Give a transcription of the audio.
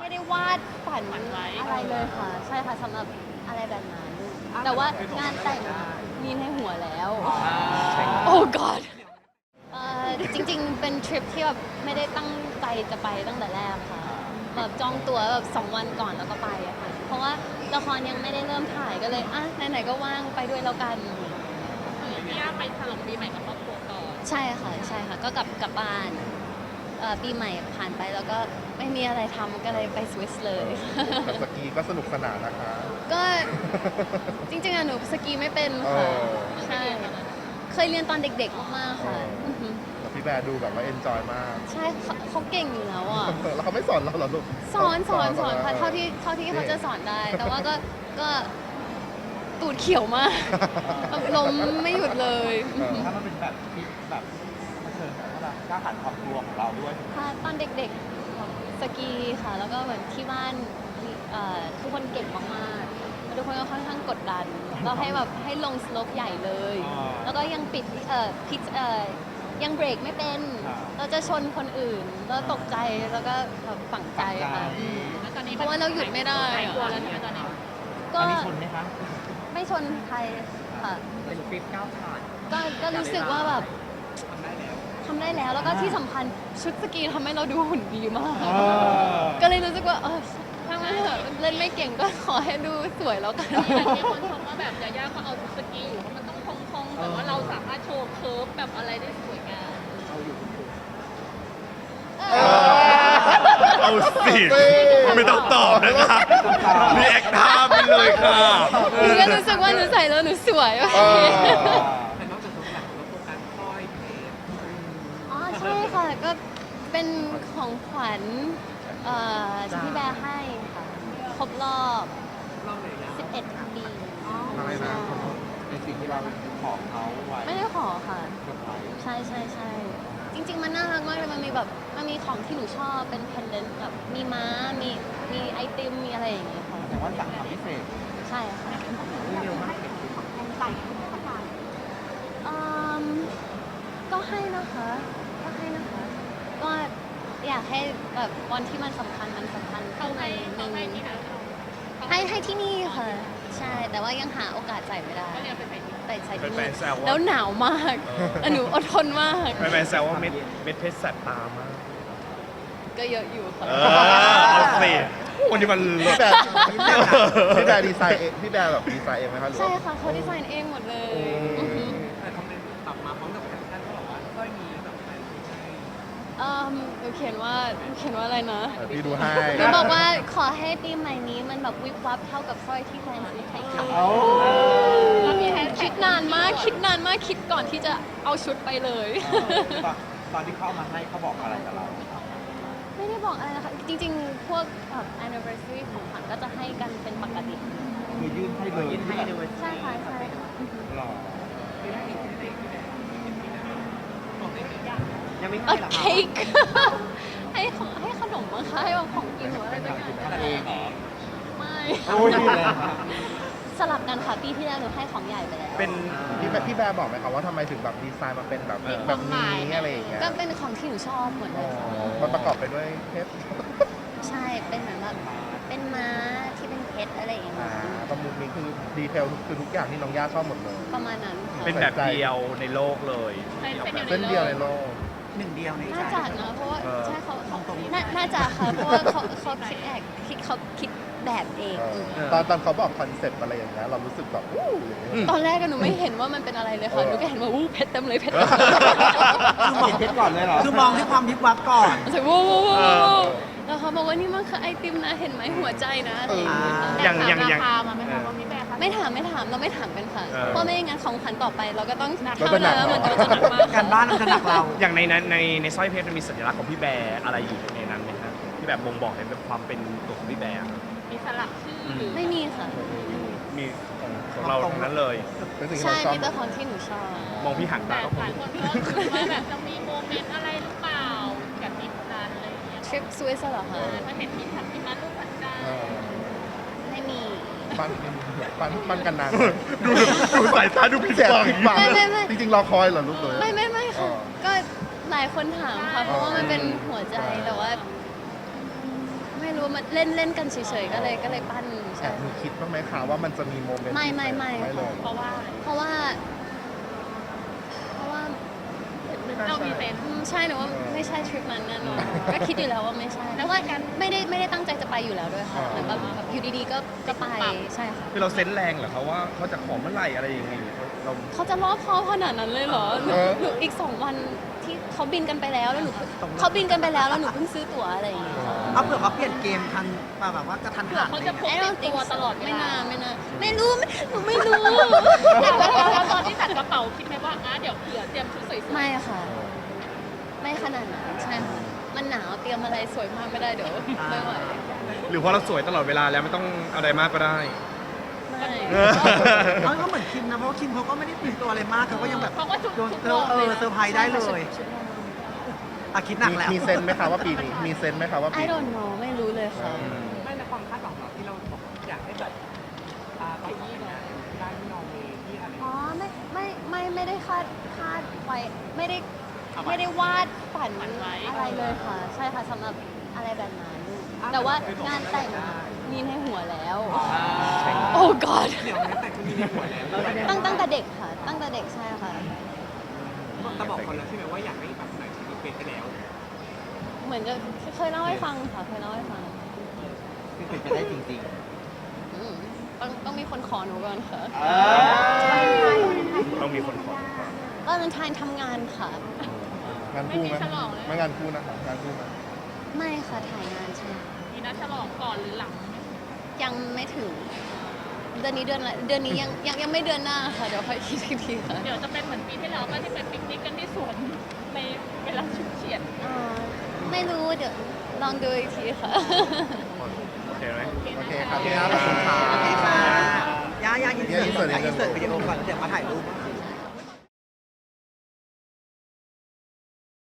ไม่ได้วาดฝันอะไรเลยค่ะใช่ค่ะสำหรับอะไรแบบนั้นแต่ว่างานแต่งมีในหัวแล้วโอ้ god จริงๆเป็นทริปที่แบบไม่ได้ตั้งใจจะไปตั้งแต่แรกค่ะแบบจองตั๋วแบบ2 วันก่อนแล้วก็ไปอะค่ะเพราะว่าละครยังไม่ได้เริ่มถ่ายก็เลยอ่ะไหนๆก็ว่างไปด้วยแล้วกันพี่ย่าไปฉลองปีใหม่กับครอบครัวก่อนใช่ค่ะก็กลับบ้านปีใหม่ผ่านไปแล้วก็ไม่มีอะไรทำก็เลยไปสวิสเลยแต่สกีก็สนุกสนานนะคะก็จริงๆอะหนูสกีไม่เป็นค่ะใช่เคยเรียนตอนเด็กๆมากๆค่ะแต่พี่แบร์ดูแบบว่าเอนจอยมากใช่เขาเก่งอยู่แล้วอ่ะแล้วเขาไม่สอนเราเหรอลูกสอนค่ะเท่าที่เขาจะสอนได้ แต่ว่าก็ตูดเขียวมากล้มไม่หยุดเลยถ้ามันเป็นแบบที่แบบเผชิญกับว่าก้าวผ่านความกลัวของเราด้วยค่ะตอนเด็กๆสกีค่ะ แล้วก็เหมือนที่บ้านทุกคนเก่งมากๆแล้วทุกคนก็ค่อนข้างกดดันเราให้ลงสโลปใหญ่เลย แล้วก็ยังปิดพิชยังเบรกไม่เป็น เราจะชนคนอื่นเราตกใจแล้วก็แบบฝังใจค่ะเพราะว่าเราหยุดไม่ได้กลัวแล้วใช่ไหมตอนนี้ก็มีชนไหมคะไม่ชนใครค่ะเป็นคลิปก้าวผ่านก็รู้สึกว่าแบบทำได้แล้วแล้วก็ที่สำคัญชุดสกีทำให้เราดูหุ่นดีมาก ก็เลยรู้สึกว่าถ้าไม่เถอะเล่นไม่เก่งก็ขอให้ดูสวยแล้วกันมีคนชมว่าแบบยาย่าเขาเอาสกีอยู่เพราะมันต้องคงๆแต่ว่าเราสามารถโชว์เคิร์ฟแบบอะไรได้สวยงามเอาสิไม่ต้องตอบนะคะรีแอคท่าไปเลยค่ะหนูก็รู้สึกว่าหนูใส่แล้วหนูสวยว่ะแต่นอกจากตัวหลักแล้วโฟกัสสร้อยเพชรอ๋อใช่ค่ะก็เป็นของขวัญที่พี่แบร์ให้ค่ะครบรอบเล่าเลยนะ 11 ปีอะไรนะในสิ่งที่เราขอเขาไว้ไม่ได้ขอค่ะเซอร์ไพรส์ใช่จริงๆมันน่ารักมากเลยมันมีของที่หนูชอบเป็นเพนเดนต์แบบมีม้ามีไอติมมีอะไรอย่างเงี้ยค่ะแต่ว่าสั่งทำพิเศษใช่ค่ะเร็วมากก็ให้นะคะก็อยากให้แบบวันที่มันสำคัญข้างในหนึ่งให้ที่ไหนให้ที่นี่ค่ะ ใช่แต่ว่ายังหาโอกาสใส่ไม่ได้ก็เลยไปใส่ที่ใส่ที่แฟนี่นๆแซวแล้วว่าหนาวมากหนูอดทนมากแฟนๆแซวว่าเม็ดเพชรแสบตามากก็เยอะอยู่ค่ะเอาสิวันนี้มันเลิพี่ศแบร์พี่แบร์ดีไซน์เองพี่แบร์แบบดีไซน์เองไหมคะหรือใช่ว่าค่ะเขาดีไซน์เองหมดเลยอือหือแต่คอมเมนต์ตอบมาพร้อมกับแคปชั่นเขาบอกว่าสร้อยนี้แบบแฟนให้หนูเขียนว่าอะไรนะพี่ดูให้หนูบอกว่าขอให้ปีใหม่นี้มันแบบวิบวับเท่ากับสร้อยที่แฟนซื้อให้ค่ะแล้วมีแฮชคิดนานมากคิดก่อนที่จะเอาชุดไปเลยตอนที่เขาเอามาให้เขาบอกอะไรกับเราไม่ได้บอกอะไรนะคะ จริงๆ พวกanniversary ของขวัญก็จะให้กันเป็นปกติคือยื่นให้เลยยื่นให้เลยใช่ค่ะหล่อยังไม่เอให้อหรอเค้ก ให้ขนมมั้งคะให้แบบของกินหรืออะไรสักอย่างทำเองเหรอไม่โอ้ยเลยสลับกันค่ะปีที่แล้วหนูให้ของใหญ่ไปแล้วเป็นพี่แบร์บอกไหมครับว่าทำไมถึงแบบดีไซน์มาเป็นแบบนี้อะไรอย่างเงี้ยก็เป็นของที่หนูชอบเหมือนกันค่ะมันประกอบไปด้วยเพชรใช่เป็นเหมือนแบบเป็นม้าที่เป็นเพชรอะไรอย่างเงี้ยประมุขนี้คือดีเทลคือทุกอย่างที่น้องย่าชอบหมดเลยประมาณนั้นค่ะเป็นแบบเดียวในโลกเลยเส้นเดียวในโลกหนึ่งเดียวในใจน่าจะนะเพราะว่าเออใช่เขาน่าจะค่ะเพราะว่าเขาคิดแบบเองตอนเขาบอกคอนเซ็ปต์อะไรอย่างเงี้ยเรารู้สึกแบบอู้อย่างเงี้ยตอนแรกก็หนูไม่เห็นว่ามันเป็นอะไรเลยค่ะหนูก็เห็นว่าเพชรเต็มเลยเพชรคือมองเพชรก่อนเลยเหรอคือมองที่ความวิบวับก่อนใช่วู้แล้วเขาบอกว่านี่มันคือไอติมนะเห็นไหมหัวใจนะอะไรอย่างเงี้ยค่ะอย่างราคามาไหมคะว่าพี่แบร์คะไม่ถามเราไม่ถามกันค่ะ เพราะไม่งั้นของขวัญต่อไปเราก็ต้องเราจะหนักแล้วมันก็จะหนักมากการบ้านมันจะหนักเราอย่างในสร้อยเพชรมันมีสัญลักษณ์ของพี่แบร์อะไรอยู่ในนั้นไหมครับที่แบบบ่งบอกเห็นแบบความเป็นตัวของพี่แบร์อะมีสลักชื่อหรือไม่มีค่ะมีของเราทั้งนั้นเลยเป็นสิ่งที่ใช่เราชอบมีแต่ของที่หนูชอบมองพี่หันแต่ตาก็คหลาง ยคนก็คิดว่าแบบจะมีโมเมนต์อะไรหรือเปล่ากับทีมนั้นอะไรอย่างเงี้ยทริปสวิสเหรอคะถ้าเห็นที่ทำที่นั้นรูปหันใจไม่มีปั้นกันนานดูสายตาดูผิดแสบหวังผิดหวังไม่จริงๆรอคอยเหรอลูกเลยไม่ค่ะ ก็หลายคนถามค่ะเพราะว่ามันเป็นหัวใจแต่ว่า ไม่รู้รู้มันเล่นเล่นกันเฉยๆก็เลยปั้นแอใช่บมีคิดบ้างไหมคะว่ามันจะมีโมเมนต์ไม่เลยเพราะว่าเพราะว่าเรามีเซนใช่หนูว่าไม่ใช่ทริปนั้นแน่นอนก็คิดอยู่แล้วว่าไม่ใช่เพราะว่าไม่ได้ตั้งใจจะไปอยู่แล้วด้วยค่ะเหมือนแบบอยู่ดีๆก็ไปใช่ค่ะคือเราเซนส์แรงเหรอครับว่าเขาจะขอเมื่อไหร่อะไรยังไงเราเขาจะรอบคอบขนาดนั้นเลยเหรอหนูอีก2 วันที่เขาบินกันไปแล้วหนูเขาบินกันไปแล้วหนูเพิ่งซื้อตั๋วอะไรอย่างเงี้ยเอาเผื่อเขาเปลี่ยนเกมทันแบบว่ากระทันเผื่อหันเขาจะพกติดตัวตลอดเวไม่ลาน่าไม่รู้หนูไม่รู้แล้วตอนที่จัดกระเป๋าคิดไหมว่าเดี๋ยวเผื่อเตรียมชุดสวยๆไม่ค่ะ ไม่ขนาดนั้นใช่ค่ะมันหนาวเตรียมอะไรสวยมากไม่ได้เดี๋ยวไม่ไหวหรือเพราะเราสวยตลอดเวลาแล้วไม่ต้องอะไรมากก็ได้ไม่เขาก็เหมือนคิมนะเพราะว่าคิมเขาก็ไม่ได้เปลี่ยนตัวอะไรมากเขาก็ยังแบบเขาก็ชุดโดนชุดเซอร์เซอร์ไพรส์ได้เลยชุดนอนอะคิดหนักแล้วมีเซนส์ไหมคะว่าปีนี้มีเซนส์ไหมคะว่าปี I don't know ไม่รู้เลยค่ะไม่ในความคาดหวังเราที่เราบอกอยากให้แบบไปที่ไหนได้ที่นอร์เวย์ที่อะไรอ๋อไม่ได้คาดไว้ไม่ได้วาดฝันอะไรเลยค่ะ ใช่ค่ะสำหรับอะไรแบบนั้นแต่ว่างานแต่งมีในหัวแล้วโอ้ god เดี๋ยวนี้แต่งชุดนี้ในหัวแล้วตั้งแต่เด็กค่ะ ตั้งแต่เด็กใช่ค่ะแต่บอกคนแล้วใช่ไหมว่าอยากให้แบบใส่ชุดนี้เป็นไปแล้วเหมือนจะเคยเล่าให้ฟังค่ะเคยเล่าให้ฟังคือเป็นไปได้จริงอืมต้องมีคนขอหนูก่อนค่ะต้องมีคนขอตอนนั้นทายทำงานค่ะงานคู่ไหมไม่งานคู่นะคะงานคู่ไหมไม่ค่ะถ่ายงานใช่ไหมมีนัดฉลองก่อนหรือหลังยังไม่ถึง เดือนนี้เดือนอะไรเดือนนี้ยังไม่เดือนหน้าค่ะ เดี๋ยวค่อยคิดอีกทีค่ะเดี๋ยวจะเป็นเหมือนปีที่แล้วก็ที่ไปปิกนิกกันที่สวนในเวลาฉุกเฉียดอ่าไม่รู้เดี๋ยวลองดูอีกทีค่ะโอเคไหมโอเคครับพี่อาร์ตขอบคุณค่ะๆโอเคค่ะย่าอินเสิร์ตอินเสิร์ตวิดีโอก่อนแล้วเดี๋ยวมาถ่ายรูป